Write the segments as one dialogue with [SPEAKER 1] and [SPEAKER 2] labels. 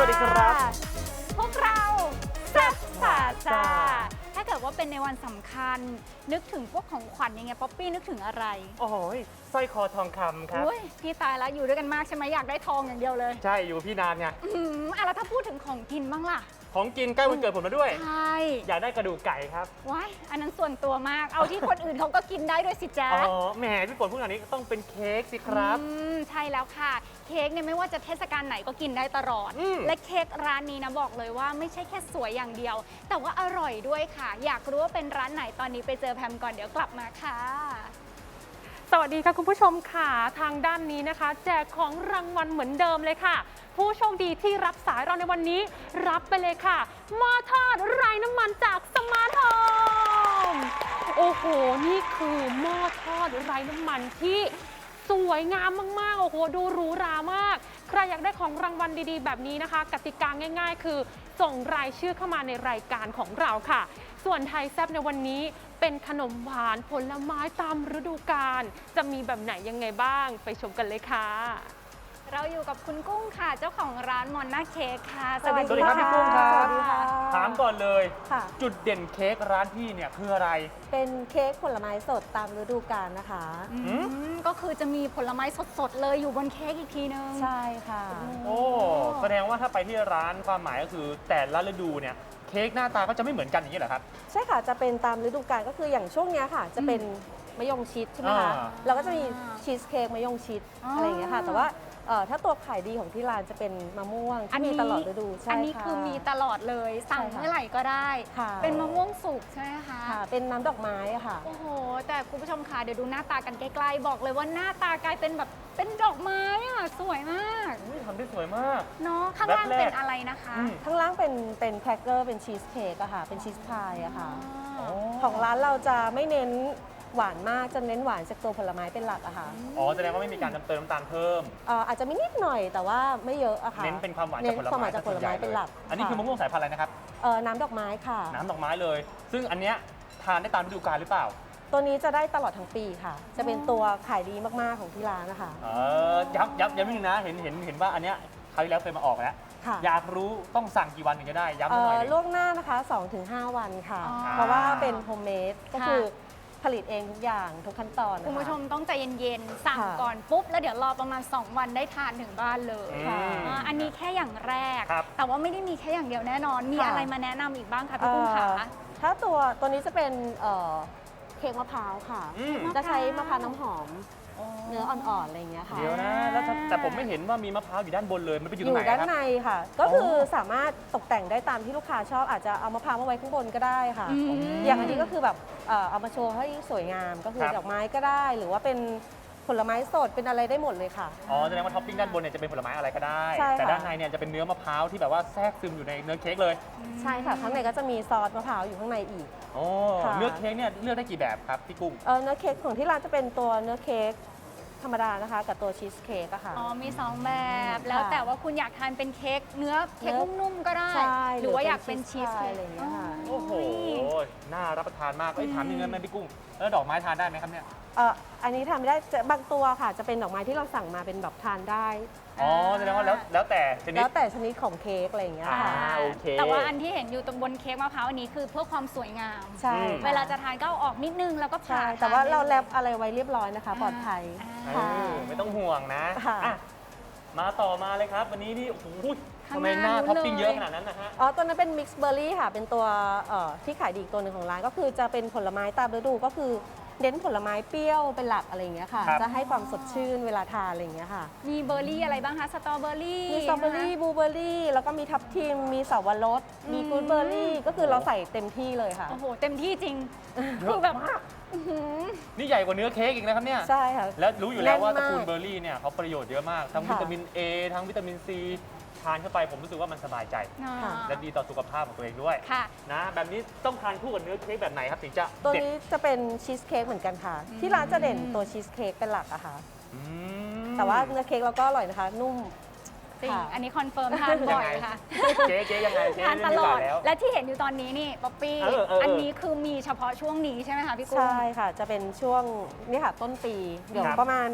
[SPEAKER 1] วัสดีครับ
[SPEAKER 2] พวกเราแซ่บพาซ่าถ้าเกิดว่าเป็นในวันสำคัญนึกถึงพวกของขวัญยังไงป๊อปปี้นึกถึงอะไร
[SPEAKER 1] โอ้โหสร้อยคอทองคำครับ
[SPEAKER 2] พี่ตายแล้วอยู่ด้วยกันมากใช่ไหมอยากได้ทองอย่างเดียวเลย
[SPEAKER 1] ใช่อยู่พี่นานไง
[SPEAKER 2] แล้วถ้าพูดถึงของกินบ้างล่ะ
[SPEAKER 1] ของกินใกล้วันเกิดผมแล้วด้วย
[SPEAKER 2] ใช่
[SPEAKER 1] อยากได้กระดูกไก่ครับ
[SPEAKER 2] ว้ายอันนั้นส่วนตัวมากเอาที่คนอื่นเขาก็กินได้ด้วยสิจ๊ะ
[SPEAKER 1] อ๋อแหมพี่ฝนพูดอย่างนี้ต้องเป็นเค้กสิครับ
[SPEAKER 2] ใช่แล้วค่ะเค้กเนี่ยไม่ว่าจะเทศกาลไหนก็กินได้ตลอดและเค้กร้านนี้นะบอกเลยว่าไม่ใช่แค่สวยอย่างเดียวแต่ว่าอร่อยด้วยค่ะอยากรู้ว่าเป็นร้านไหนตอนนี้ไปเจอแพมก่อนเดี๋ยวกลับมาค่ะ
[SPEAKER 3] สวัสดีค่ะคุณผู้ชมค่ะทางด้านนี้นะคะแจกของรางวัลเหมือนเดิมเลยค่ะผู้โชคดีที่รับสายเราในวันนี้รับไปเลยค่ะหม้อทอดไร้น้ำมันจากสมาร์ทโฮมโอ้โหนี่คือหม้อทอดไร้น้ำมันที่สวยงามมากๆโอ้โหดูหรูหรามากใครอยากได้ของรางวัลดีๆแบบนี้นะคะกติกาง่ายๆคือส่งรายชื่อเข้ามาในรายการของเราค่ะส่วนไทยแซ่บในวันนี้เป็นขนมหวานผลไม้ตามฤดูกาลจะมีแบบไหนยังไงบ้างไปชมกันเลยค่ะ
[SPEAKER 2] เราอยู่กับคุณกุ้งค่ะเจ้าของร้านมอนนาเค้กค่ะ
[SPEAKER 1] สวัสดีครับพี่กุ้งครับถามก่อนเลย
[SPEAKER 4] ค่ะ
[SPEAKER 1] จุดเด่นเค้กร้านพี่เนี่ยคืออะไร
[SPEAKER 4] เป็นเค้กผลไม้สดตามฤดูกาลนะคะ
[SPEAKER 2] ก็คือจะมีผลไม้สดๆเลยอยู่บนเค้กอีกทีนึง
[SPEAKER 4] ใช่ค่ะ
[SPEAKER 1] โอ้แสดงว่าถ้าไปที่ร้านความหมายก็คือแต่ละฤดูเนี่ยเค้กหน้าตาก็จะไม่เหมือนกันอย่างนี้เหรอครับ
[SPEAKER 4] ใช่ค่ะจะเป็นตามฤดูกาลก็คืออย่างช่วงนี้ค่ะจะเป็นมะยงชิดใช่ไหมคะเราก็จะมีชีสเค้กมะยงชิดอะไรอย่างเงี้ยค่ะแต่ว่าถ้าตัวขายดีของที่ร้านจะเป็นมะม่วงที่มีตลอดฤดูใช่
[SPEAKER 2] อันนี้คือมีตลอดเลยสั่งเมื่อไหร่ก็ได้เป็นมะม่วงสุกใช่ไหมคะ
[SPEAKER 4] เป็นน้ำดอกไม้ค่ะ
[SPEAKER 2] โอ้โหแต่คุณผู้ชมค่ะเดี๋ยวดูหน้าตากันใกล้ๆบอกเลยว่าหน้าตากลายเป็นแบบเป็นดอกไม้อะสวยมาก
[SPEAKER 1] ทำได้สวยมาก
[SPEAKER 2] เนาะข้างล่างเป็นอะไรนะคะ
[SPEAKER 4] ข้างล่างเป็นแครกเกอร์เป็นชีสเค้กอะค่ะเป็นชีสพายอะค่ะของร้านเราจะไม่เน้นหวานมากจะเน้นหวานจากตัวผลไม้เป็นหลักอะค่ะ
[SPEAKER 1] อ๋อแสดงว่าไม่มีการเติมน้ำตาลเพิ่ม
[SPEAKER 4] อาจจะมีนิดหน่อยแต่ว่าไม่เยอะอะค่ะ
[SPEAKER 1] เน้นเป็นความหวาน
[SPEAKER 4] จากผลไม้เป็นหลัก
[SPEAKER 1] อันนี้คือมะม่วงสายพันธุ์อะไรนะครับ
[SPEAKER 4] น้ำดอกไม้ค่ะ
[SPEAKER 1] น้ำดอกไม้เลยซึ่งอันเนี้ยทานได้ตามฤดูกาลหรือเปล่า
[SPEAKER 4] ตัวนี้จะได้ตลอดทั้งปีค่ะจะเป็นตัวขายดีมากๆของที่ร้านนะคะ
[SPEAKER 1] ย้ำนิดนึงนะเห็นว่าอันเนี้ยคราวที่แล้วเคยมาออกแล้วอยากรู้ต้องสั่งกี่วันถึงจะได้ย้ำหน่อย
[SPEAKER 4] ล่วงหน้านะคะ 2-5 วันค่ะเพราะว่าเป็นโฮมเมดก็คือผลิตเองทุกอย่างทุกขั้นตอน
[SPEAKER 2] คุณผู้ชมต้องใจเย็นๆสั่งก่อนปุ๊บแล้วเดี๋ยวรอประมาณ2วันได้ทานถึงบ้านเลยอันนี้แค่อย่างแรกแต่ว่าไม่ได้มีแค่อย่างเดียวแน่นอนมีอะไรมาแนะนำอีกบ้างคะพี่กุ้งคะ
[SPEAKER 4] ถ้าตัวนี้จะเป็นเค้กมะพร้าวค่ะจะใช้มะพร้าวน้ำหอมเนื้ออ่อนๆอะไรอย่างเงี้ยค่ะ
[SPEAKER 1] เดี๋ยวนะแล้วแต่ผมไม่เห็นว่ามีมะพร้าวอยู่ด้านบนเลยมันไปอยู่ตรงไหนครับ
[SPEAKER 4] อยู่ด้านในค่ะก็คือสามารถตกแต่งได้ตามที่ลูกค้าชอบอาจจะเอามะพร้าวมาไว้ข้างบนก็ได้ค่ะอย่างอันนี้ก็คือแบบเอามาโชว์ให้สวยงามก็คือดอกไม้ก็ได้หรือว่าเป็นผลไม้สดเป็นอะไรได้หมดเลยค่ะ
[SPEAKER 1] อ๋อแสดงว่าท็อปปิ้งด้านบนเนี่ยจะเป็นผลไม้อะไรก็ได้แต่ด้านในเนี่ยจะเป็นเนื้อมะพร้าวที่แบบว่าแทรกซึมอยู่ในเนื้อเค้กเลย
[SPEAKER 4] ใช่ค่ะข้างในก็จะมีซอสมะพร้าวอยู่ข้างในอีก
[SPEAKER 1] โอ้เนื้อเค้กเนี่ยเลือกได้กี่แบบครับพี่กุ้ง
[SPEAKER 4] เนื้อเค้กของที่ร้านจะเป็นตัวเนื้อเค้กธรรมดานะคะกับตัวชีสเค้กอะค่ะ
[SPEAKER 2] มี2แบบแล้วแต่ว่าคุณอยากทานเป็นเค้กเนื้อเค้กนุ่มๆก็ได้หรือว่าอยากเป็นชีสเค้ก
[SPEAKER 4] อะไรอย่างเงี้ยค่ะ
[SPEAKER 1] โอ้โหน่ารับประทานมากถามมีเงินไหมพี่กุ้งแล้วดอกไม้ทานได้ไหมครับเนี่ย
[SPEAKER 4] อันนี้ทานไม่ได้บางตัวค่ะจะเป็นดอกไม้ที่เราสั่งมาเป็นแบบทานได้
[SPEAKER 1] อ๋อแสดงว่าแล้วแต่ช
[SPEAKER 4] นิดของเค้กอะไรอย่างเงี้ยค่ะ
[SPEAKER 1] โอเค
[SPEAKER 2] แต่ว่าอันที่เห็นอยู่ตรงบนเค้กมะพร้าวอันนี้คือเพื่อความสวยงาม
[SPEAKER 4] ใช่
[SPEAKER 2] เวลาจะทานก็เอาออกนิดนึงแล้วก็ผ่า
[SPEAKER 4] แต่ว่าเราแรปอะไรไว้เรียบร้อยนะคะปลอดภัย
[SPEAKER 1] ไม่ต้องห่วงนะมาต่อมาเลยครับวันนี้นี่โอ้โหทำไมหน้าท็อปปิ้งเยอะขนาดนั้นนะฮะ
[SPEAKER 4] ตัวนั้นเป็นมิกซ์เบอร์รี่ค่ะเป็นตัวที่ขายดีอีกตัวหนึ่งของร้านก็คือจะเป็นผลไม้ตามฤดูก็คือเน้นผลไม้เปรี้ยวเป็นหลักอะไรอย่างเงี้ยค่ะจะให้ความสดชื่นเวลาทานอะไรอย่างเงี้ยค่ะ
[SPEAKER 2] มีเบอร์รี่อะไรบ้างคะสตรอเบอร์รี่
[SPEAKER 4] มีสตรอเบอร์รี่บลูเบอร์รี่แล้วก็มีทับทิมมีสับปะรดมีฟรุตเบอร์รี่ก็คือเราใส่เต็มที่เลยค่ะ
[SPEAKER 2] โอ้โหเต็มที่จริงคือแบบ
[SPEAKER 1] นี่ใหญ่กว่าเนื้อเค้กอีกนะครับเนี่ย
[SPEAKER 4] ใช่ค่ะ
[SPEAKER 1] แล้วรู้อยู่แล้วว่าตระกูลเบอร์รี่เนี่ยเขาประโยชน์เยอะมากทั้งวิตามิน A ทั้งวิตามิน Cทานเข้าไปผมรู้สึกว่ามันสบายใจและดีต่อสุขภาพของตัวเองด้วยนะแบบนี้ต้องทานคู่กับเนื้อเค้กแบบไหนครับถึงจะ
[SPEAKER 4] ตัวนี้จะเป็นชีสเค้กเหมือนกันค่ะที่ร้านจะเด่นตัวชีสเค้กเป็นหลักอะค่ะแต่ว่าเนื้อเค้กเราก็อร่อยนะคะนุ่ม
[SPEAKER 2] จริงอันนี้คอนเฟิร์มทานบ่อยค่ะ
[SPEAKER 1] เจ๊ยังไง
[SPEAKER 2] ทานตลอดและที่เห็นอยู่ตอนนี้นี่ป๊อปปี้อันนี้คือมีเฉพาะช่วงนี้ใช่ไหมคะพี่กุ้ง
[SPEAKER 4] ใช่ค่ะจะเป็นช่วงนี่ค่ะต้นปีเดี๋ยวประมาณ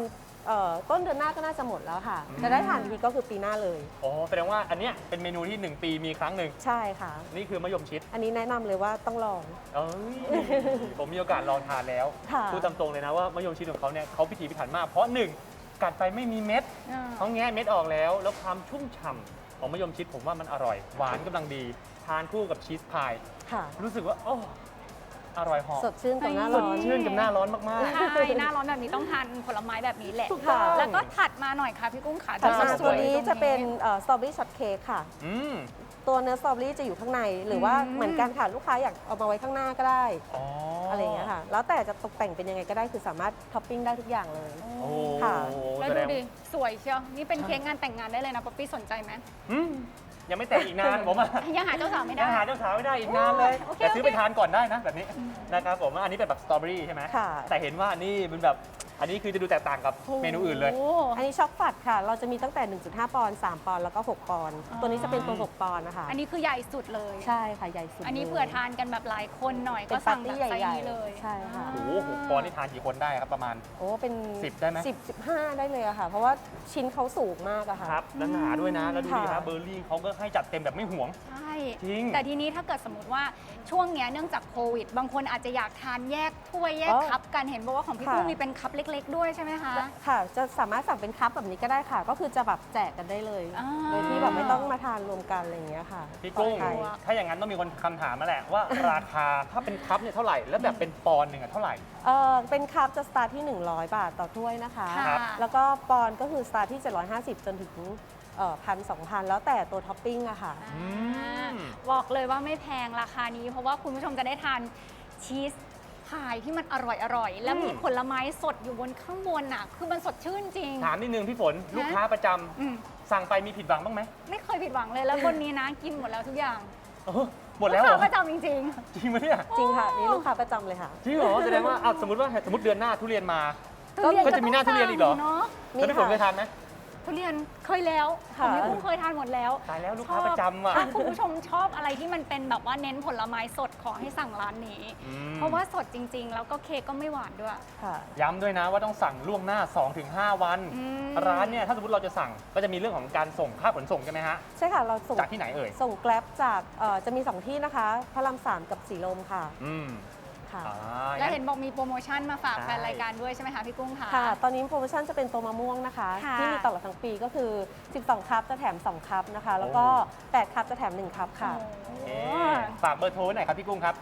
[SPEAKER 4] ต้นเดือนหน้าก็น่าจะหมดแล้วค่ะจะได้ทานทีก็คือปีหน้าเลย
[SPEAKER 1] อ๋อแสดงว่าอันเนี้ยเป็นเมนูที่ 1 ปีมีครั้งหนึ่ง
[SPEAKER 4] ใช่ค่ะ
[SPEAKER 1] นี่คือมะยมชิด
[SPEAKER 4] อันนี้แนะนำเลยว่าต้องลอง
[SPEAKER 1] เอ้ย ผมมีโอกาสลองทานแล้ว
[SPEAKER 4] ค่ะ
[SPEAKER 1] พูดตามตรงเลยนะว่ามะยมชิดของเขาเนี่ยเขาพิถีพิถันมากเพราะ 1 กัดไปไม่มีเม็ดเขาแงะเม็ดออกแล้วความชุ่มฉ่ำของมะยมชิดผมว่ามันอร่อย หวานกำลังดี ทานคู่กับชีสพาย
[SPEAKER 4] ค่ะ
[SPEAKER 1] รู้สึกว่าโอ้อร่อยหอม
[SPEAKER 4] สดชื่นกับหน้า
[SPEAKER 1] ส
[SPEAKER 4] ร้
[SPEAKER 1] ด
[SPEAKER 4] อน
[SPEAKER 1] ชื่นกับหน้าร้อนมาก
[SPEAKER 2] ใช่หน้าร้อนแบบนี้ต้องทานผลไม้แบบนี้แหละ
[SPEAKER 4] ถูกต้อง
[SPEAKER 2] แล้วก็ถัดมาหน่อยค่ะพี่กุ้งขา
[SPEAKER 4] ต่อมา
[SPEAKER 2] ส
[SPEAKER 4] ตัว
[SPEAKER 2] วยๆ
[SPEAKER 4] นี้
[SPEAKER 2] ตรง
[SPEAKER 4] จะเป็นสตรอเบอรี่ช็อตเค้กค่ะ
[SPEAKER 1] ๆอืม
[SPEAKER 4] ตัวเนื้อสตรอเบอรี่จะอยู่ข้างใน หรือว่าเหมือนกันค่ะลูกค้าอยากเอามาไว้ข้างหน้าก็ได้
[SPEAKER 1] อ๋ออ
[SPEAKER 4] อะไรอย่างเงี้ยค่ะ แล้วแต่จะตกแต่งเป็นยังไงก็ได้คือสามารถท็อปปิ้งได้ทุกอย่างเลย
[SPEAKER 1] โอ้
[SPEAKER 4] ค่ะ
[SPEAKER 2] แล้ว
[SPEAKER 1] แส
[SPEAKER 2] ดู
[SPEAKER 1] ดง
[SPEAKER 2] ดิ สวยเชียวนี่เป็นเค้กงานแต่งงานได้เลยนะป๊อปปี้สนใจไหม
[SPEAKER 1] อืมยังไม่แต่งอีกนานผมอะ
[SPEAKER 2] ยังหาเจ้าสาวไม่ได้
[SPEAKER 1] ยังหาเจ้าสาวไม่ได้อีกนานเลย
[SPEAKER 2] โอเค
[SPEAKER 1] แต่ซื้อ
[SPEAKER 2] โอเค
[SPEAKER 1] ไปทานก่อนได้นะแบบนี้นะครับผมอันนี้เป็นแบบสตรอเบอรี่ใช่ไหม
[SPEAKER 4] ค่ะ
[SPEAKER 1] แต่เห็นว่านี่เป็นแบบอันนี้คือจะดูแตกต่างกับเมนูอื่นเลย
[SPEAKER 2] โอ้
[SPEAKER 4] อันนี้ช็อกฟัดค่ะ เราจะมีตั้งแต่ 1.5 ปอนด์ 3 ปอนด์ แล้วก็ 6 ปอนด์ ตัวนี้จะเป็นตัว 6 ปอนด์นะคะ
[SPEAKER 2] อันนี้คือใหญ่สุดเลย
[SPEAKER 4] ใช่ค่ะ ใหญ่สุด
[SPEAKER 2] อันนี้
[SPEAKER 4] ลย
[SPEAKER 2] เผื่อทานกันแบบหลายคนหน่อย
[SPEAKER 4] เป็
[SPEAKER 2] ก็
[SPEAKER 4] น
[SPEAKER 2] สั่ง
[SPEAKER 4] ปาร์ตี้
[SPEAKER 2] แบบไซส์
[SPEAKER 4] ใหญ่ๆ
[SPEAKER 2] นี้เลย
[SPEAKER 4] ใช่ค่ะ
[SPEAKER 1] โอ้โห6 ปอนด์นี่ทานกี่คนได้ครับประมาณ
[SPEAKER 4] โอ้เป็น
[SPEAKER 1] 10ได้ไหม
[SPEAKER 4] 10 15 ได้เลยอะค่ะ เพราะว่าชิ้นเขาสูงมากอะค่ะ
[SPEAKER 1] ครับแล้วหนาด้วยนะ แล้วดูดี
[SPEAKER 4] ค่ะ
[SPEAKER 1] นะเบอร์รี่เขาก็ให้จัดเต็มแบบไม่ห่วง
[SPEAKER 2] ใช่
[SPEAKER 1] จริง
[SPEAKER 2] แต่ทีนี้ถ้าเกิดสมมติว่าช่วงเนี้ยเนื่องจากโควิด บางคนอาจจะอยากทานแยกถ้วยแยกคัพกันเห็นบอกว่าของพี่
[SPEAKER 4] ค่ะ
[SPEAKER 2] กุ้งมีเป็นคัพเล็ก ๆ ด้วยใช่ไหมคะ
[SPEAKER 4] ค่ะ จะสามารถสั่งเป็นคัพแบบนี้ก็ได้ค่ะ ก็คือจะแบบแจกกันได้เลย
[SPEAKER 2] อ่า
[SPEAKER 4] โดยที่แบบไม่ต้องมาทานรวมกันอะไรอย่างเงี้ยค่ะ
[SPEAKER 1] พี่กุ้ง
[SPEAKER 4] ปลอดภัย
[SPEAKER 1] ถ้าอย่างนั้นต้องมีคนคำถามมาแหละว่า ราคาถ้าเป็นคัพเนี่ยเท่าไหร่ แล้วแบบเป็นปอนด์หนึ่งอะเท่าไหร่
[SPEAKER 4] เป็นคัพจะสตาร์ทที่ 100 บาทต่อถ้วยนะคะ
[SPEAKER 2] ค่ะ
[SPEAKER 4] แล้วก็ปอนด์ก็คือสตาร์ทที่ 750 จนถึง1,000-2,000 แล้วแต่ตัวท็อปปิ้งอะค่ะ
[SPEAKER 2] บอกเลยว่าไม่แพงราคานี้ เพราะว่าคุณผู้ชมจะได้ทานชีสพายที่มันอร่อยๆ แล้วมีผลไม้สดอยู่บนข้างบนน่ะ คือมันสดชื่นจริง
[SPEAKER 1] ถามนิดนึงพี่ฝน ลูกค้าประจำ
[SPEAKER 2] อืม
[SPEAKER 1] สั่งไปมีผิดหวังบ้างไหม
[SPEAKER 2] ไม่เคยผิดหวังเลยแล้วบนนี้นะกินหมดแล้วทุกอย่าง
[SPEAKER 1] เออหมดแล้วเหร
[SPEAKER 2] ลู
[SPEAKER 1] อก
[SPEAKER 2] ค้าประจำจริง
[SPEAKER 1] จริงไหมเนี่ย
[SPEAKER 4] จริงค่ะนี่ลูกค้าประจำเลยค่ะ
[SPEAKER 1] จริงเหรอแสดงว่าสมมติเดือนหน้าทุเรียนมา
[SPEAKER 2] ๆทุเรียน
[SPEAKER 1] ก็จะมีหน้าทุเรียนอีกเหรอ
[SPEAKER 2] เนาะ
[SPEAKER 1] แล้วพี่ฝนเคยทานไหม
[SPEAKER 2] ทุเรียนเคยแล้วข
[SPEAKER 4] ค่ะ
[SPEAKER 2] องพี่กุ้งเคยทานหมดแล้ว
[SPEAKER 1] ตายแล้วลูกค้าประจำอะ
[SPEAKER 2] ถ้าคุณผู้ชมชอบอะไรที่มันเป็นแบบว่าเน้นผลไม้สดขอให้สั่งร้านนี้
[SPEAKER 1] อืม
[SPEAKER 2] เพราะว่าสดจริง ๆ แล้วก็เค้กก็ไม่หวานด้วย
[SPEAKER 4] ค่ะ
[SPEAKER 1] ย้ำด้วยนะว่าต้องสั่งล่วงหน้า 2-5 วัน
[SPEAKER 2] อืม
[SPEAKER 1] ร้านเนี่ยถ้าสมมติเราจะสั่งก็จะมีเรื่องของการส่งค่าขนส่งใช่ไหมฮะ
[SPEAKER 4] ใช่ค่ะ เราส่ง
[SPEAKER 1] จากที่ไหนเอ่ย
[SPEAKER 4] ส่งแกร็บจากจะมี 2 ที่นะคะพระราม3กับสีลมค่ะ
[SPEAKER 1] อืม
[SPEAKER 4] ค่ะ
[SPEAKER 2] แล้วเห็นบอกมีโปรโมชั่นมาฝาก
[SPEAKER 1] ใช่
[SPEAKER 2] แฟนรายการด้วยใช่ไหมคะพี่กุ้งคะ
[SPEAKER 4] ค่ะ ตอนนี้โปรโมชั่นจะเป็นตัวมะม่วงนะคะ
[SPEAKER 2] ค่ะ
[SPEAKER 4] ที่มีตลอดทั้งปีก็คือ 12 คัพจะแถม 2 คัพนะคะ แล้วก็ 8 คัพจะแถม 1 คัพค่ะ
[SPEAKER 2] โอ้
[SPEAKER 1] เอ๊ะฝากเบอร์โทรไว้หน่อยครับพี่กุ้งครับ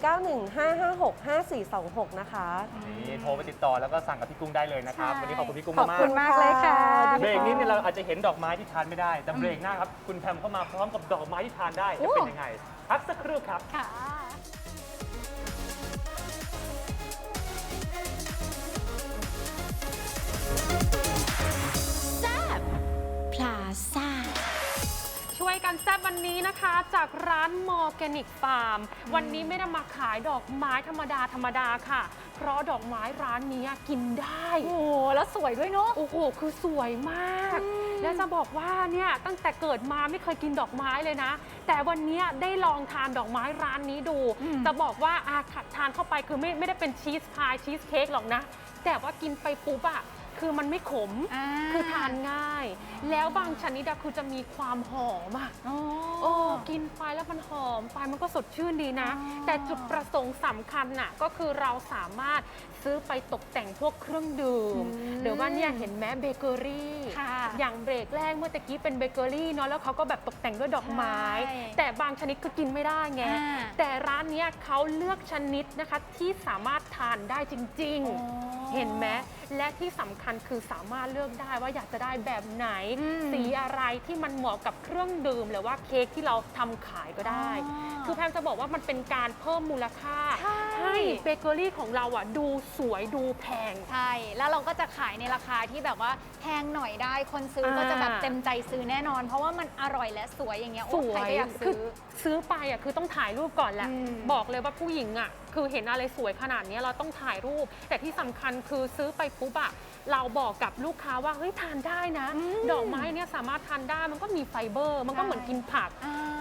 [SPEAKER 4] 0915565426 นะคะ
[SPEAKER 1] นี่โทรไปติดต่อแล้วก็สั่งกับพี่กุ้งได้เลยนะครับ วันนี้ขอบคุณพี่กุ้ง
[SPEAKER 4] ขอบ
[SPEAKER 1] มาก
[SPEAKER 4] คุณ
[SPEAKER 2] มากเลยค่ะ
[SPEAKER 1] ๆเบรกนี้เนี่ยเราอาจจะเห็นดอกไม้ที่ทานไม่ได้ แต่เบรกหน้าครับคุณแพมเข้ามาพร้อมกับดอกไม้ที่ทานได้จะเป็นยังไงพักสักครู่ครับ
[SPEAKER 2] ค่ะ
[SPEAKER 5] พลาซ่า
[SPEAKER 3] ช่วยกันแซ่บวันนี้นะคะ จากร้านมอร์แกนิกฟาร์มวันนี้ไม่ได้มาขายดอกไม้ธรรมดาค่ะ เพราะดอกไม้ร้านนี้กินได้
[SPEAKER 2] โอ้โหแล้วสวยด้วยเนาะ
[SPEAKER 3] โอ้โห คือสวยมาก แล้วจะบอกว่าเนี่ยตั้งแต่เกิดมาไม่เคยกินดอกไม้เลยนะ แต่วันนี้ได้ลองทานดอกไม้ร้านนี้ดูจะบอกว่าทานเข้าไปคือไม่ได้เป็นชีสพายชีสเค้กหรอกนะ แต่ว่ากินไปปุ๊บอะคือมันไม่ขม คือทานง่าย แล้วบางชนิดคือจะมีความหอมอะโอ้กินไปแล้วมันหอมไปมันก็สดชื่นดีนะ แต่จุดประสงค์สำคัญน่ะก็คือเราสามารถซื้อไปตกแต่งพวกเครื่องดื่มหรือว่าเนี่ยเห็นไหมเบเกอรี่
[SPEAKER 2] ค่ะ
[SPEAKER 3] อย่างเบรกแรกเมื่อตะกี้เป็นเบเกอรี่เนาะแล้วเขาก็แบบตกแต่งด้วยดอกไม้
[SPEAKER 2] ใช่
[SPEAKER 3] แต่บางชนิดก็กินไม่ได้ไง
[SPEAKER 2] อ่า
[SPEAKER 3] แต่ร้านเนี้ยเขาเลือกชนิดนะคะที่สามารถทานได้จริง
[SPEAKER 2] อ๋อ
[SPEAKER 3] ๆ เห็นไหมและที่สำคัญคือสามารถเลือกได้ว่าอยากจะได้แบบไหน
[SPEAKER 2] อืม
[SPEAKER 3] สีอะไรที่มันเหมาะกับเครื่องดื่มหรือว่าเค้กที่เราทำขายก็ได้ คือแพมจะบอกว่ามันเป็นการเพิ่มมูลค่า
[SPEAKER 2] ใช่
[SPEAKER 3] ให้เบเกอรี่ของเราอ่ะดูสวยดูแพง
[SPEAKER 2] ใช่ แล้วเราก็จะขายในราคาที่แบบว่าแพงหน่อยได้ คนซื้อก็จะแบบเต็มใจซื้อแน่นอน เพราะว่ามันอร่อยและสวยอย่างเงี้ย
[SPEAKER 3] ส
[SPEAKER 2] โอ้
[SPEAKER 3] ว
[SPEAKER 2] ใคร
[SPEAKER 3] ย
[SPEAKER 2] ก็อยาก
[SPEAKER 3] คื
[SPEAKER 2] ซื้อ
[SPEAKER 3] ซื้อไปอ่ะคือต้องถ่ายรูปก่อนแหละ
[SPEAKER 2] อืม
[SPEAKER 3] บอกเลยว่าผู้หญิงอ่ะคือเห็นอะไรสวยขนาดนี้เราต้องถ่ายรูป แต่ที่สำคัญคือซื้อไปปุ๊บอ่ะเราบอกกับลูกค้าว่าเฮ้ยทานได้นะ ดอกไม้เนี่ยสามารถทานได้มันก็มีไฟเบอร์ มันก็เหมือนกินผัก
[SPEAKER 2] อ่า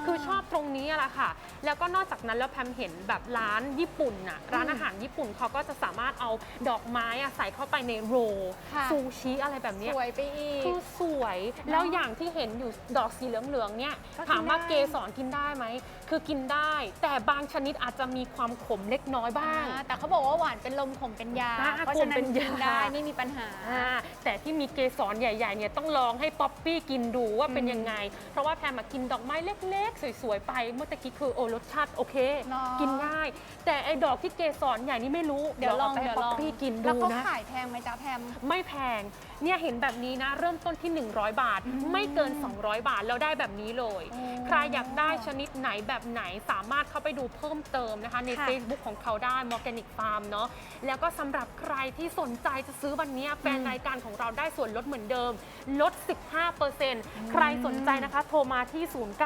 [SPEAKER 3] คือชอบตรงนี้แหละค่ะ แล้วก็นอกจากนั้นแล้วแพมเห็นแบบร้านญี่ปุ่นน่ะร้านอาหารญี่ปุ่นเขาก็จะสามารถเอาดอกไม้อะใส่เข้าไปในโรล
[SPEAKER 2] ค่ะ
[SPEAKER 3] ซูชิอะไรแบบเนี้ย
[SPEAKER 2] สวยไปอีก
[SPEAKER 3] คือสวยแล้วอย่างที่เห็นอยู่ดอกสีเหลืองๆเนี่ย
[SPEAKER 2] ก็กิน
[SPEAKER 3] ถามว่า
[SPEAKER 2] ได้
[SPEAKER 3] เกสรกินได้ไหมคือกินได้ แต่บางชนิดอาจจะมีความขมเล็กน้อยบ้าง
[SPEAKER 2] แต่เขาบอกว่าหวานเป็นลมขมเป็นยา
[SPEAKER 3] อ่า
[SPEAKER 2] เพราะฉะนั้น
[SPEAKER 3] ขมเป็นยา
[SPEAKER 2] กินได้ไม่มีปัญหา
[SPEAKER 3] แต่ที่มีเกสรใหญ่ๆเนี่ยต้องลองให้ป๊อปปี้กินดูว่าเป็นยังไง เพราะว่าแพมมากินดอกไม้เล็กๆ สวยๆไปเมื่อตะกี้คือโอ้รสชาติโอเค
[SPEAKER 2] เนาะ
[SPEAKER 3] กินง่าย แต่ไอ้ดอกที่เกสรใหญ่นี่ไม่รู้
[SPEAKER 2] เดี๋ยวลอง
[SPEAKER 3] าไปให้
[SPEAKER 2] เดี๋ยว
[SPEAKER 3] ป๊
[SPEAKER 2] ล
[SPEAKER 3] อ
[SPEAKER 2] อ
[SPEAKER 3] ป
[SPEAKER 2] ง
[SPEAKER 3] ปี้กิน
[SPEAKER 2] แล้ว
[SPEAKER 3] ดู
[SPEAKER 2] เขา
[SPEAKER 3] นะ
[SPEAKER 2] ขายแพงไหมจ๊ะแพม
[SPEAKER 3] ไม่แพง เนี่ยเห็นแบบนี้นะ เริ่มต้นที่ 100 บาท ไม่เกิน 200 บาท แล้วได้แบบนี้เลย ใครอยากได้ชนิดไหนแบบไหนสามารถเข้าไปดูเพิ่มเติมนะคะ ใน
[SPEAKER 2] ค่ะ
[SPEAKER 3] Facebook ของเขาได้ Morganic Farm เนาะ แล้วก็สำหรับใครที่สนใจจะซื้อวันนี้แฟนรายการของเราได้ส่วนลดเหมือนเดิม ลด 15%ใครสนใจนะคะ โทรมาที่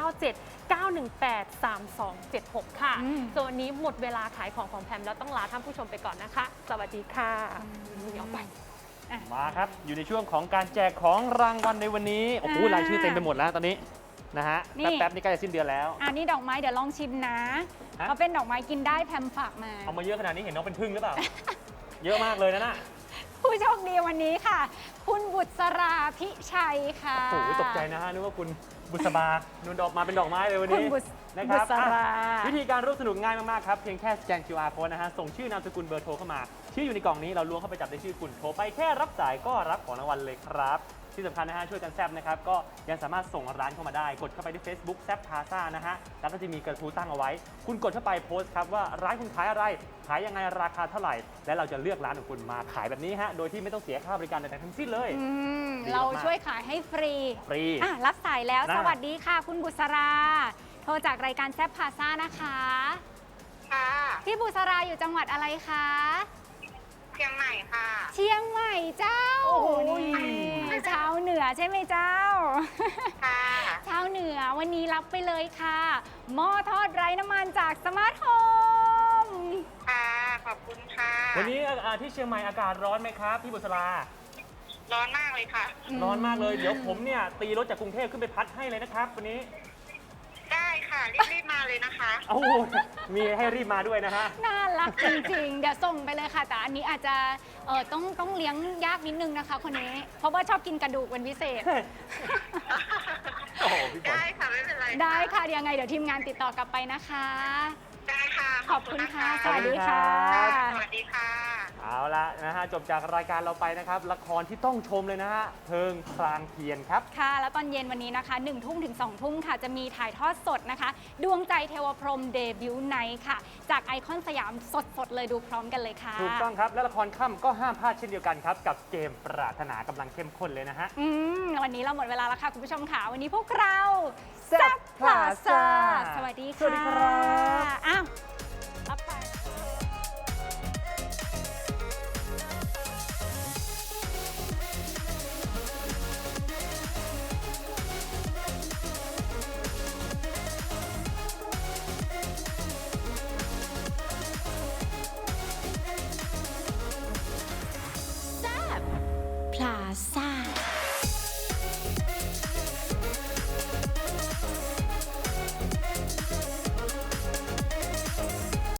[SPEAKER 3] 097-918-3276 ค่ะ ส่วนวันนี้หมดเวลาขายของแพมแล้วต้องลาท่านผู้ชมไปก่อนนะคะ สวัสดีค่ะเดี๋ยวไป
[SPEAKER 1] มาครับ อยู่ในช่วงของการแจกของรางวัลในวันนี้ โอ้โหรายชื่อเต็มไปหมดแล้วตอนนี้นะฮะ
[SPEAKER 2] นี่
[SPEAKER 1] แป๊บๆนี่ใกล้จะสิ้นเดือนแล้ว
[SPEAKER 2] อันนี้ดอกไม้เดี๋ยวลองชิมนะ
[SPEAKER 1] ฮะ
[SPEAKER 2] เขาเป็นดอกไม้กินได้แพมฝากมา
[SPEAKER 1] เอามาเยอะขนาดนี้เห็นน้องเป็นพึ่งหรือเปล่า เยอะมากเลยนะน่ะ
[SPEAKER 2] ผู้โชคดีวันนี้ค่ะ คุณบุษราพิชัยค่ะ
[SPEAKER 1] โอ้โหตกใจนะฮะนึกว่าคุณบุษบานูนดอกมาเป็นดอกไม้เลยวัน
[SPEAKER 2] คุณ
[SPEAKER 1] นี้
[SPEAKER 2] บุษ
[SPEAKER 1] นะครับ
[SPEAKER 2] บุษรา
[SPEAKER 1] อ่ะวิธีการร่วมสนุกง่ายมากๆครับเพียงแค่สแกน QR code นะฮะส่งชื่อนามสกุลเบอร์โทรเข้ามาชื่ออยู่ในกล่องนี้เราล้วงเข้าไปจับได้ชื่อคุณโทรไปแค่รับสายก็รับของรางวัลเลยครับที่สำคัญนะฮะช่วยกันแซบนะครับก็ยังสามารถส่งร้านเข้ามาได้กดเข้าไปที่ Facebook แซบพาซ่านะฮะแล้วก็จะมีกระทู้ตั้งเอาไว้ คุณกดเข้าไปโพสต์ครับว่าร้านคุณขายอะไรขายยังไงราคาเท่าไหร่ และเราจะเลือกร้านของคุณมาขายแบบนี้ฮะโดยที่ไม่ต้องเสียค่าบริการใดๆทั้งสิ้นเลย ดีมากๆ
[SPEAKER 2] เราช่วยขายให้ฟรี
[SPEAKER 1] ฟรี
[SPEAKER 2] อ่ะรับสายแล้ว
[SPEAKER 1] นะ
[SPEAKER 2] สวัสดีค่ะ คุณบุษรา โทรจากรายการแซบพาซ่านะคะ
[SPEAKER 6] ค่ะ
[SPEAKER 2] พี่บุษราอยู่จังหวัดอะไรคะ
[SPEAKER 6] เชียงใหม่ค่ะ
[SPEAKER 2] เชียงใหม่เจ้า
[SPEAKER 1] โอ้ย
[SPEAKER 2] นี่ชาวเหนือใช่ไหมเจ้า
[SPEAKER 6] ค่ะ
[SPEAKER 2] ชาวเหนือวันนี้รับไปเลยค่ะหม้อทอดไร้น้ำมันจากสมาร์ทโฮม
[SPEAKER 6] ค่ะ ขอบคุณค่ะ
[SPEAKER 1] วันนี้ที่เชียงใหม่อากาศร้อนไหมครับพี่บุษรา
[SPEAKER 6] ร้อนมากเลยค่ะ
[SPEAKER 1] ร้อนมากเลยเดี๋ยวผมเนี่ยตีรถจากกรุงเทพขึ้นไปพัดให้เลยนะครับวันนี้
[SPEAKER 6] ได้ค่ะ รีบๆมาเลยนะคะ
[SPEAKER 1] โอ้โหมีให้รีบมาด้วยนะฮะ
[SPEAKER 2] น่ารักจริงๆ เดี๋ยวส่งไปเลยค่ะ แต่อันนี้อาจจะต้องเลี้ยงยากนิดนึงนะคะคนนี้ เพราะว่าชอบกินกระดูกเป็นพิเศษ
[SPEAKER 1] โอ้โหพี่ฝน
[SPEAKER 6] ได้ค่ะ ไม่เป็นไร
[SPEAKER 2] ได้ค่ะยังไงเดี๋ยวทีมงานติดต่อกลับไปนะคะ
[SPEAKER 6] ได้ค่ะ
[SPEAKER 2] ขอบคุณค่ะ
[SPEAKER 6] น
[SPEAKER 2] สวัสดีค่ะ
[SPEAKER 6] สวัสดีค่ะ
[SPEAKER 1] เอาละนะฮะจบจากรายการเราไปนะครับละครที่ต้องชมเลยนะฮะเพลิงพรางเทียนครับ
[SPEAKER 2] ค่ะ แล้วตอนเย็นวันนี้นะคะ1 ทุ่มถึง2 ทุ่มค่ะ จะมีถ่ายทอดสดนะคะ ดวงใจเทวพรหมเดบิวต์ไนท์ค่ะ จากไอคอนสยามสดๆเลยดูพร้อมกันเลยค่ะ
[SPEAKER 1] ถูกต้องครับและละครค่ำก็ห้ามพลาดเช่นเดียวกันครับ กับเกมปรารถนากำลังเข้มข้นเลยนะฮะ
[SPEAKER 2] วันนี้เราหมดเวลาแล้วค่ะ คุณผู้ชมค่ะ วันนี้พวกเรา
[SPEAKER 1] แซ่บพลาซ่า
[SPEAKER 2] สวัสดีค่ะ
[SPEAKER 1] สวัสดีครับ